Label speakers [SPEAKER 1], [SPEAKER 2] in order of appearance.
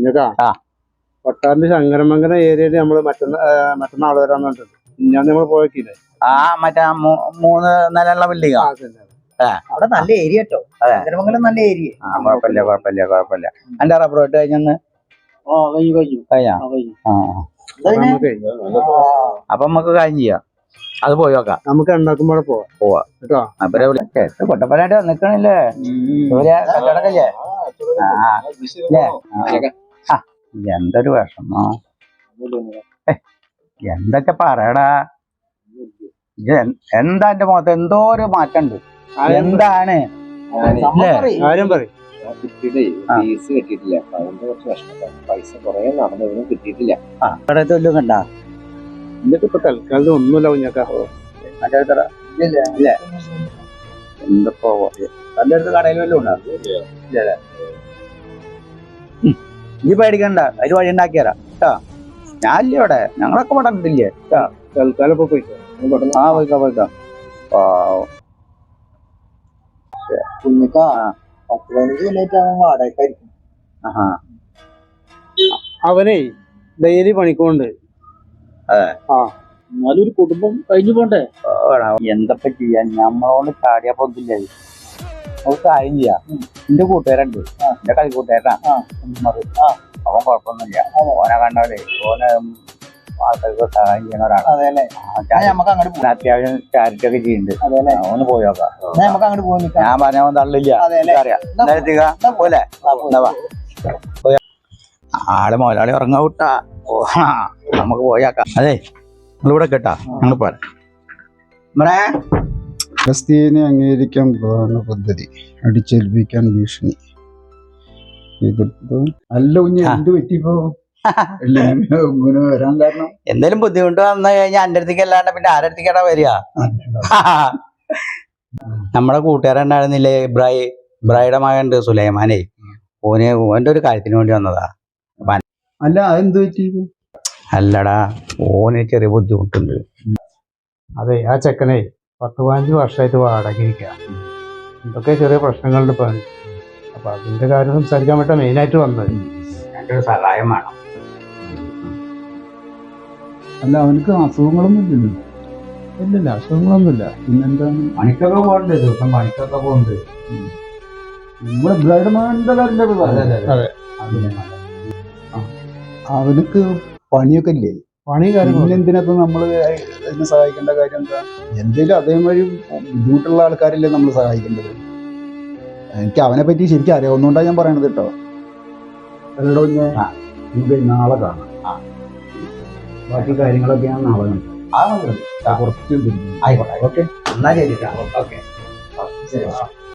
[SPEAKER 1] കൊട്ടാറിന്റെ ശങ്കരമംഗല ഏരിയയിൽ നമ്മള് മറ്റന്നാൾ വരാന്ന് പറഞ്ഞിട്ടുണ്ട്. ഞാൻ നമ്മൾ പോയിട്ടില്ലേ
[SPEAKER 2] മറ്റേ 3 നിലയുള്ള ബിൽഡിംഗ്
[SPEAKER 3] അവിടെ നല്ല ഏരിയ കേട്ടോ. ശങ്കരമംഗലം നല്ല ഏരിയ.
[SPEAKER 2] കുഴപ്പമില്ല. എന്റെ റബ്ബർ വെട്ട് കഴിഞ്ഞൊന്ന് അപ്പൊ നമുക്ക് കാര്യം ചെയ്യാം, അത് പോയി നോക്കാം.
[SPEAKER 1] നമുക്ക് ഉണ്ടാക്കുമ്പോൾ പോവാ കേട്ടോ.
[SPEAKER 2] പൊട്ടപ്പനായിട്ട് നിക്കണില്ലേ കച്ചവടക്കല്ലേ? എന്തൊരു വിഷമോ, എന്തൊക്കെ പറയടാ. എന്താ എന്റെ മുഖത്ത് എന്തോ ഒരു മാറ്റമുണ്ട്. എന്താണ്
[SPEAKER 1] കാര്യം പറയും?
[SPEAKER 3] ഫീസ് കിട്ടിയിട്ടില്ല, അതിന്റെ കുറച്ച് വിഷമം. പൈസ കുറെ നടന്നതിനും കിട്ടിയിട്ടില്ല.
[SPEAKER 2] കണ്ടാ
[SPEAKER 1] എന്നിട്ട് ഇപ്പൊ തൽക്കാലം ഒന്നുമില്ല കുഞ്ഞാക്ക.
[SPEAKER 2] എന്തപ്പോ തന്റെ അടുത്ത് കടയിൽ വല്ലതും ഉണ്ടോ? നീ പേടിക്കണ്ട, അതിന് വഴി ഉണ്ടാക്കിയരാ കേട്ടോ. ഞാനില്ലേ ഇവിടെ, ഞങ്ങളൊക്കെ ഇവിടെ ഉണ്ടില്ലേ കേട്ടോ.
[SPEAKER 1] തൽക്കാലം ഇപ്പൊ പോയിക്കോ.
[SPEAKER 2] പോയിക്കാം.
[SPEAKER 3] കുഞ്ഞിക്ക 10-15 കൊല്ലായിട്ടാണ് വാടകയ്ക്കായിരിക്കും.
[SPEAKER 1] അവനെ ഡെയിലി പണിക്കൊണ്ട്
[SPEAKER 3] എന്നാലും ഒരു കുടുംബം കഴിഞ്ഞു പോണ്ടേ.
[SPEAKER 2] എന്തപ്പോ ചെയ്യാൻ, ഞമ്മളോട് ചാടിയാ പൊന്നില്ല. നമുക്ക് കാര്യം ചെയ്യാം. എന്റെ കൂട്ടുകാരുണ്ട്, എന്റെ കളിക്കൂട്ടുകാരനാ. അവൻ കുഴപ്പമൊന്നുമില്ല. ഓനെ കണ്ടാലേ ഓനെ ആൾക്കാർക്ക് സഹായം ചെയ്യുന്ന ഒരാളാണ്. അത്യാവശ്യം ചാരിറ്റി ഒക്കെ ചെയ്യുന്നുണ്ട്. ഒന്ന് പോയി നോക്കാം. ഞാൻ പറഞ്ഞ തള്ളില്ല, അറിയാം പോലെ. ആള് മുതലാളി ഉറങ്ങാ വിട്ടാ നമുക്ക് പോയാക്കാം. അതെ നിങ്ങളിവിടെ കേട്ടാ, ഞങ്ങൾ പോരാ.
[SPEAKER 4] ഫലസ്തീനെ അംഗീകരിക്കാൻ പ്രധാന പദ്ധതി, അടിച്ചേൽപ്പിക്കാൻ ഭീഷണി. അല്ല കുഞ്ഞ് എന്ത് പറ്റിപ്പോ ഇങ്ങനെ വരാൻ കാരണം?
[SPEAKER 2] എന്തേലും ബുദ്ധിമുട്ട് വന്നു കഴിഞ്ഞാൽ എന്റെ അടുത്തേക്ക് അല്ലാണ്ട് പിന്നെ ആരുടെ അടുത്തേക്കാടാ വരിക? നമ്മളെ കൂട്ടുകാരുണ്ടായിരുന്നില്ലേ ഇബ്രാഹിയുടെ മകനുണ്ട് സുലൈമാനെ, ഓന്റെ ഒരു കാര്യത്തിന് വേണ്ടി വന്നതാ.
[SPEAKER 4] അല്ല അതെന്ത് പറ്റി?
[SPEAKER 2] അല്ലടാ, ഓന് ചെറിയ ബുദ്ധിമുട്ടുണ്ട്.
[SPEAKER 1] അതെ, ആ ചെക്കനെ 10-15 വർഷമായിട്ട് വാടകയ്ക്കുക. എന്തൊക്കെ ചെറിയ പ്രശ്നങ്ങളുണ്ട് ഇപ്പൊ. അപ്പൊ അതിന്റെ കാര്യം സംസാരിക്കാൻ വേണ്ടി മെയിനായിട്ട് വന്നത്.
[SPEAKER 2] എന്റെ ഒരു സഹായം വേണം.
[SPEAKER 4] അല്ല അവനക്ക് അസുഖങ്ങളൊന്നും ഇല്ലല്ലോ?
[SPEAKER 1] ഇല്ലില്ല, അസുഖങ്ങളൊന്നുമില്ല.
[SPEAKER 4] പിന്നെന്താണ്?
[SPEAKER 2] പണിക്കൊക്കെ പോകണ്ട്, ദിവസം പണിക്കൊക്കെ പോകുന്നുണ്ട്.
[SPEAKER 4] നമ്മുടെ
[SPEAKER 1] അതെ,
[SPEAKER 4] അവനക്ക് പണിയൊക്കെ ഇല്ലേ?
[SPEAKER 1] പണി കാര്യങ്ങൾ
[SPEAKER 4] എന്തിനൊക്കെ നമ്മള് അതിനെ സഹായിക്കേണ്ട കാര്യം എന്താ? എന്തേലും അതേമാതിരി ബുദ്ധിമുട്ടുള്ള ആൾക്കാരല്ലേ നമ്മൾ സഹായിക്കേണ്ടത്. എനിക്ക് അവനെ പറ്റി ശരിക്കും അറിയാവുന്നതുകൊണ്ടാണ് ഞാൻ പറയണത് കേട്ടോ. അല്ലടോ, നമുക്ക് നാളെ കാണാം. ബാക്കി കാര്യങ്ങളൊക്കെ ഞാൻ നാളെ കാണാം. കുറച്ച്
[SPEAKER 2] ആയിക്കോട്ടെ, ഓക്കെ. എന്നാ ശരി. ഓക്കെ, ശരി.